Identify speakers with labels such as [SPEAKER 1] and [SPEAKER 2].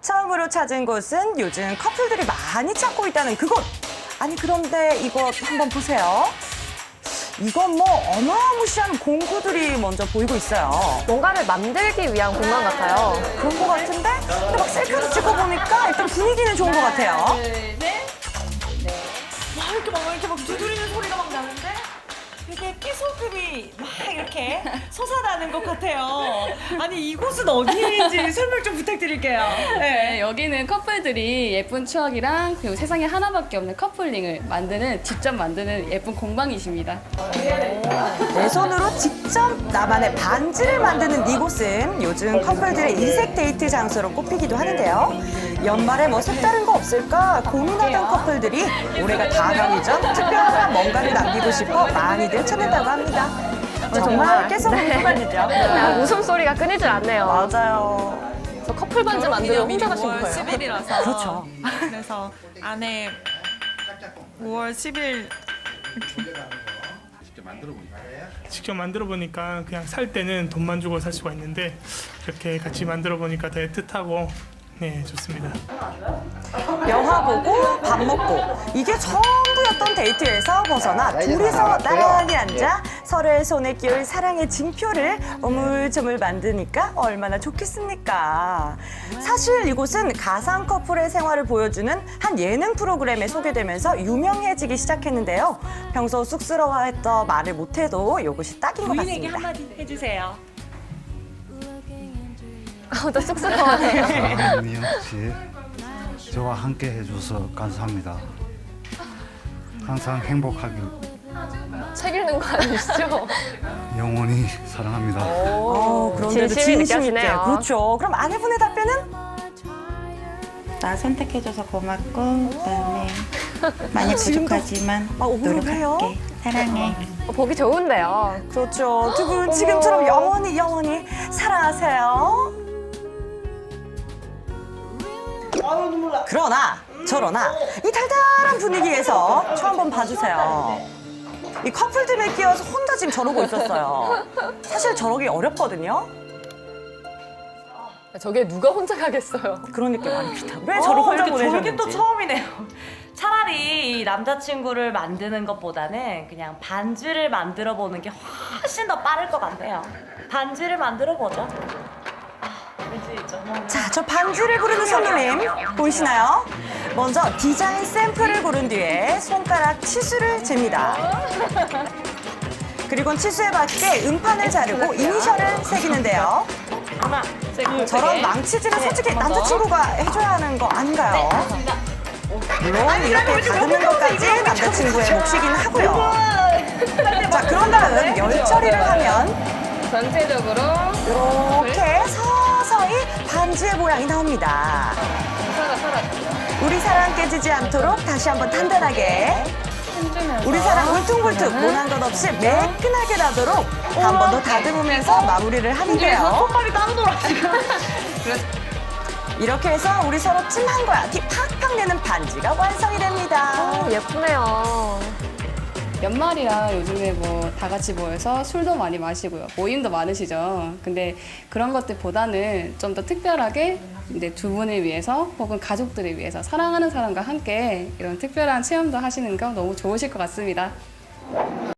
[SPEAKER 1] 처음으로 찾은 곳은 요즘 커플들이 많이 찾고 있다는 그곳. 아니 그런데 이것 한번 보세요. 이건 뭐 어마무시한 공구들이 먼저 보이고 있어요.
[SPEAKER 2] 뭔가를 만들기 위한 공간 같아요.
[SPEAKER 1] 그런 것 같은데? 근데 막 셀카도 찍고 보니까 일단 분위기는 좋은 것 같아요.
[SPEAKER 3] 와, 이렇게 막 두드리는 소리가 막 나는데 이게 끼소금이 막 이렇게 솟아나는 것 같아요. 아니 이곳은 어디인지 설명 좀 부탁드릴게요.
[SPEAKER 4] 네, 여기는 커플들이 예쁜 추억이랑 그리고 세상에 하나밖에 없는 커플링을 직접 만드는 예쁜 공방이십니다.
[SPEAKER 1] 내 손으로 직접 나만의 반지를 만드는 이곳은 요즘 커플들의 인색 데이트 장소로 꼽히기도 하는데요. 연말에 뭐 색다른 거 없을까 고민하던 커플들이 올해가 다가오기 전 특별한 뭔가를 남기고 싶어 많이들 찾는다고 합니다. 정말 깨소금이 쏟아지죠.
[SPEAKER 2] 그냥 웃음소리가 끊이질 않네요.
[SPEAKER 1] 맞아요.
[SPEAKER 2] 저 커플 반지 만들어 혼자 가신
[SPEAKER 3] 5월
[SPEAKER 2] 거예요?
[SPEAKER 3] 10일이라서
[SPEAKER 1] 그렇죠.
[SPEAKER 3] 그래서 안에 5월 10일
[SPEAKER 5] 직접 만들어 보니까 그냥 살 때는 돈만 주고 살 수가 있는데 이렇게 같이 만들어 보니까 더 애틋하고 네, 좋습니다.
[SPEAKER 1] 영화 보고 밥 먹고 이게 전부였던 데이트에서 벗어나 둘이서 나란히 앉아 서로의 손에 끼울 사랑의 징표를 오물조물 만드니까 얼마나 좋겠습니까? 사실 이곳은 가상 커플의 생활을 보여주는 한 예능 프로그램에 소개되면서 유명해지기 시작했는데요. 평소 쑥스러워했던 말을 못해도 이곳이 딱인 것
[SPEAKER 3] 부인에게
[SPEAKER 1] 같습니다.
[SPEAKER 3] 한마디 해주세요.
[SPEAKER 2] 저 쑥스러워하네요.
[SPEAKER 6] 미영 씨, 저와 함께 해줘서 감사합니다. 항상 행복하길
[SPEAKER 2] 책 읽는 거 아니시죠?
[SPEAKER 6] 영원히 사랑합니다.
[SPEAKER 1] 그런데도
[SPEAKER 2] 진심이
[SPEAKER 1] 진심 있게.
[SPEAKER 2] 느껴지네요.
[SPEAKER 1] 그렇죠. 그럼 아내분의 답변은?
[SPEAKER 7] 나 선택해줘서 고맙고 그다음에 많이 부족하지만
[SPEAKER 1] 오글오글해요?
[SPEAKER 7] 노력할게. 사랑해.
[SPEAKER 2] 보기 좋은데요.
[SPEAKER 1] 그렇죠. 두 분 지금처럼 영원히 사랑하세요. 그러나 저러나 이 달달한 분위기에서 저 한번 봐주세요. 이 커플들에 끼어서 혼자 지금 저러고 있었어요. 사실 저러기 어렵거든요.
[SPEAKER 2] 저게 누가 혼자 가겠어요?
[SPEAKER 1] 그러니까 말입니다. 왜 저를 혼자
[SPEAKER 3] 이렇게
[SPEAKER 1] 보내셨는지.
[SPEAKER 3] 저게 또 처음이네요. 차라리 이 남자친구를 만드는 것보다는 그냥 반지를 만들어 보는 게 훨씬 더 빠를 것 같네요. 반지를 만들어 보죠. 왠지 있죠.
[SPEAKER 1] 자, 저 반지를 고르는 손놀림 보이시나요? 먼저 디자인 샘플을 고른 뒤에 손가락 치수를 잽니다. 그리고는 치수에 맞게 음판을 자르고 이니셜을 새기는데요.
[SPEAKER 3] 하나,
[SPEAKER 1] 저런 망치질은 솔직히 남자친구가 해줘야 하는 거 아닌가요? 물론 이렇게 다듬는 것까지 남자친구의 몫이긴 하고요. 자, 그런 다음 열 처리를 하면
[SPEAKER 4] 전체적으로
[SPEAKER 1] 이렇게 서서히 반지의 모양이 나옵니다. 우리 사랑 깨지지 않도록 다시 한번 단단하게 우리 사랑 울퉁불퉁 모난 것 없이 매끈하게 나도록 한 번 더 다듬으면서 마무리를 하는데요.
[SPEAKER 3] 손발이 따르더라 지금.
[SPEAKER 1] 이렇게 해서 우리 서로 찜한 거야 티 팍팍 내는 반지가 완성이 됩니다.
[SPEAKER 2] 예쁘네요.
[SPEAKER 4] 연말이라 요즘에 뭐 다 같이 모여서 술도 많이 마시고요. 모임도 많으시죠. 근데 그런 것들보다는 좀 더 특별하게 이제 두 분을 위해서 혹은 가족들을 위해서 사랑하는 사람과 함께 이런 특별한 체험도 하시는 거 너무 좋으실 것 같습니다.